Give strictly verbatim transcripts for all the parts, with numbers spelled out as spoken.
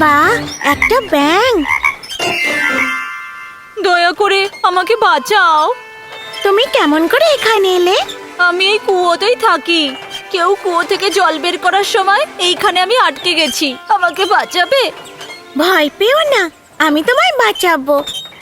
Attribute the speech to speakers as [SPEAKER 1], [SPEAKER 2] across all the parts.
[SPEAKER 1] বাহ, একটা ব্যাঙ।
[SPEAKER 2] দয়া করে আমাকে বাঁচাও।
[SPEAKER 1] তুমি কেমন করে এখানে এলে?
[SPEAKER 2] আমি এই কুয়োতেই থাকি। কেউ কুয়ো থেকে জল বের করার সময় এইখানে আমি আটকে গেছি। আমাকে বাঁচাবে?
[SPEAKER 1] ভয় পেও না, আমি তোমায় বাঁচাবো।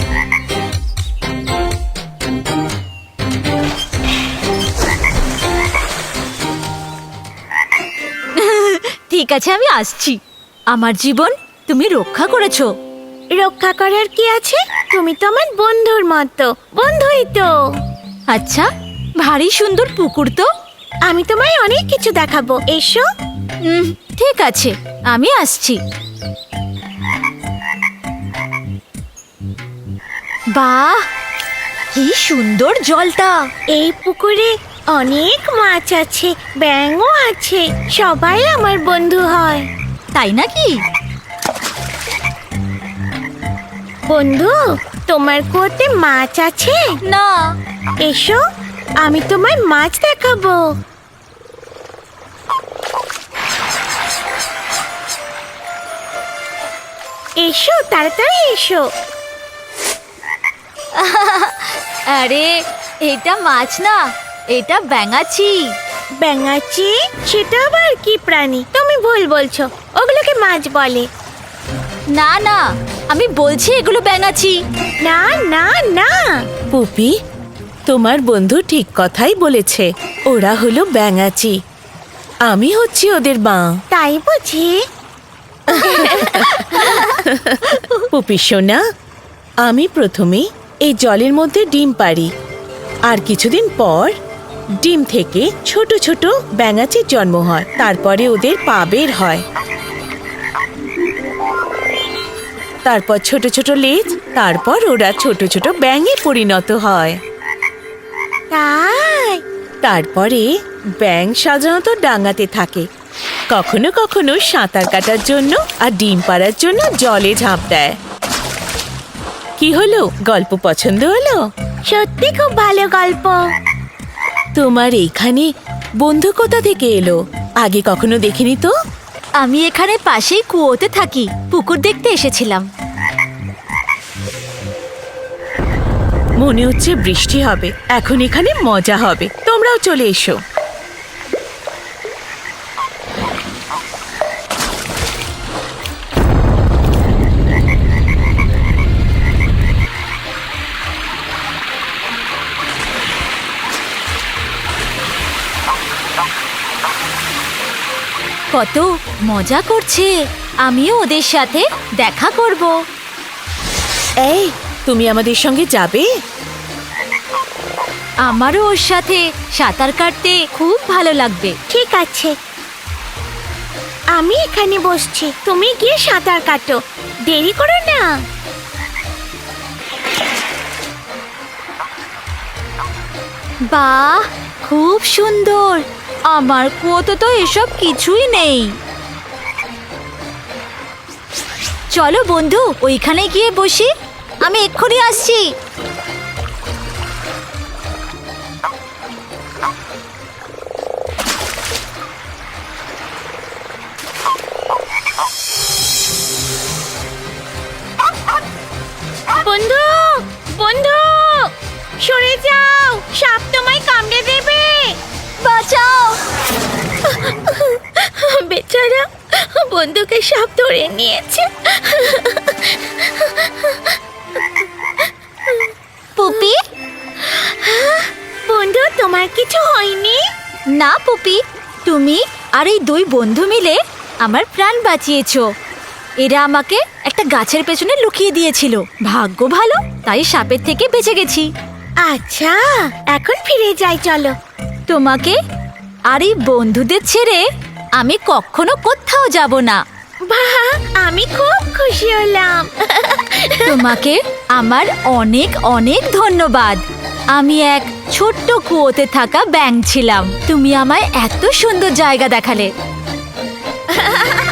[SPEAKER 2] ঠিক আছে, আমি আসছি। আমার জীবন তুমি রক্ষা করেছো।
[SPEAKER 1] রক্ষা করার কি আছে? তুমি তো আমার বন্ধুর মতো। বন্ধুই তো।
[SPEAKER 2] আচ্ছা, ভারী সুন্দর পুকুর তো।
[SPEAKER 1] আমি তোমায় অনেক কিছু দেখাবো, এসো।
[SPEAKER 2] হুম, ঠিক আছে, আমি আসছি। বাহ, কি সুন্দর জলটা।
[SPEAKER 1] এই পুকুরে অনেক মাছ আছে, ব্যাঙও আছে। সবাই আমার বন্ধু হয়।
[SPEAKER 2] তাই নাকি?
[SPEAKER 1] বন্ধু, তোমার কুয়োতে মাছ আছে?
[SPEAKER 2] না।
[SPEAKER 1] এসো, আমি তোমায় মাছ দেখাবো। এসো, তাড়াতাড়ি এসো।
[SPEAKER 2] আরে, এটা মাছ না, এটা ব্যাঙাচি।
[SPEAKER 1] ব্যাঙাচি? সেটা আবার কি প্রাণী? তুমি ভুল বলছো, ওগুলোকে মাছ বলে।
[SPEAKER 2] না না, আমি বলছি এগুলো ব্যাঙাচি।
[SPEAKER 1] না না না।
[SPEAKER 3] পুপি, তোমার বন্ধু ঠিক কথাই বলেছে। ওরা হলো ব্যাঙাচি। আমি হচ্ছি ওদের মা।
[SPEAKER 1] তাই বুঝি?
[SPEAKER 3] পুপি সোনা, আমি প্রথমে এই জলের মধ্যে ডিম পাড়ি, আর কিছুদিন পর ডিম থেকে ছোট ছোট ব্যাঙাচির জন্ম হয়। তারপরে ওদের পা বের হয়, তারপর ছোট ছোট লেজ, তারপর ওরা ছোট ছোট ব্যাঙে পরিণত হয়।
[SPEAKER 1] তাই?
[SPEAKER 3] তারপরে ব্যাঙ সাধারণত ডাঙাতে থাকে, কখনো কখনো সাঁতার কাটার জন্য আর ডিম পাড়ার জন্য জলে ঝাঁপ দেয়। কি হলো, গল্প পছন্দ হলো?
[SPEAKER 1] সত্যি খুব ভালো গল্প।
[SPEAKER 3] তোমার এইখানে বন্ধু কোথা থেকে এলো? আগে কখনো দেখিনি তো।
[SPEAKER 2] আমি এখানে পাশেই কুয়োতে থাকি, পুকুর দেখতে এসেছিলাম।
[SPEAKER 3] মনে হচ্ছে বৃষ্টি হবে, এখন এখানে মজা হবে। তোমরাও চলে এসো।
[SPEAKER 2] কত মজা করছে, আমিও ওদের সাথে দেখা করব।
[SPEAKER 3] এই, তুমি আমাদের সঙ্গে যাবে?
[SPEAKER 2] আমারও ওর সাথে সাঁতার কাটতে খুব ভালো লাগবে।
[SPEAKER 1] ঠিক আছে, আমি এখানে বসছি, তুমি গিয়ে সাঁতার কাটো। দেরি করো না।
[SPEAKER 2] বাহ, খুব সুন্দর। আমার কুয়োতে তো এসব কিছুই নেই। চলো বন্ধু, ওইখানে গিয়ে বসি। আমি এক্ষুনি আসছি।
[SPEAKER 1] বন্ধু, বন্ধু, সরে যাও, সাপ তোমায় কামড়ে দেবে।
[SPEAKER 2] বাঁচাও।
[SPEAKER 1] বেচারা, বন্ধুকে সাপ ধরে নিয়েছে।
[SPEAKER 2] পুপি?
[SPEAKER 1] বন্ধু, তোমার কিছু হয়নি?
[SPEAKER 2] না পুপি, তুমি আর এই দুই বন্ধু মিলে আমার প্রাণ বাঁচিয়েছো। এরা আমাকে একটা গাছের পেছনে লুকিয়ে দিয়েছিল। ভাগ্য ভালো, তাই সাপের থেকে বেঁচে গেছি।
[SPEAKER 1] আচ্ছা, এখন ফিরে যাই, চলো।
[SPEAKER 2] তোমাকে আর এই বন্ধুদের ছেড়ে আমি কখনো কোথাও যাব না।
[SPEAKER 1] বাহ, আমি খুব খুশি হলাম।
[SPEAKER 2] তোমাকে আমার অনেক অনেক ধন্যবাদ। আমি এক ছোট্ট কুয়োতে থাকা ব্যাঙ ছিলাম, তুমি আমায় এত সুন্দর জায়গা দেখালে।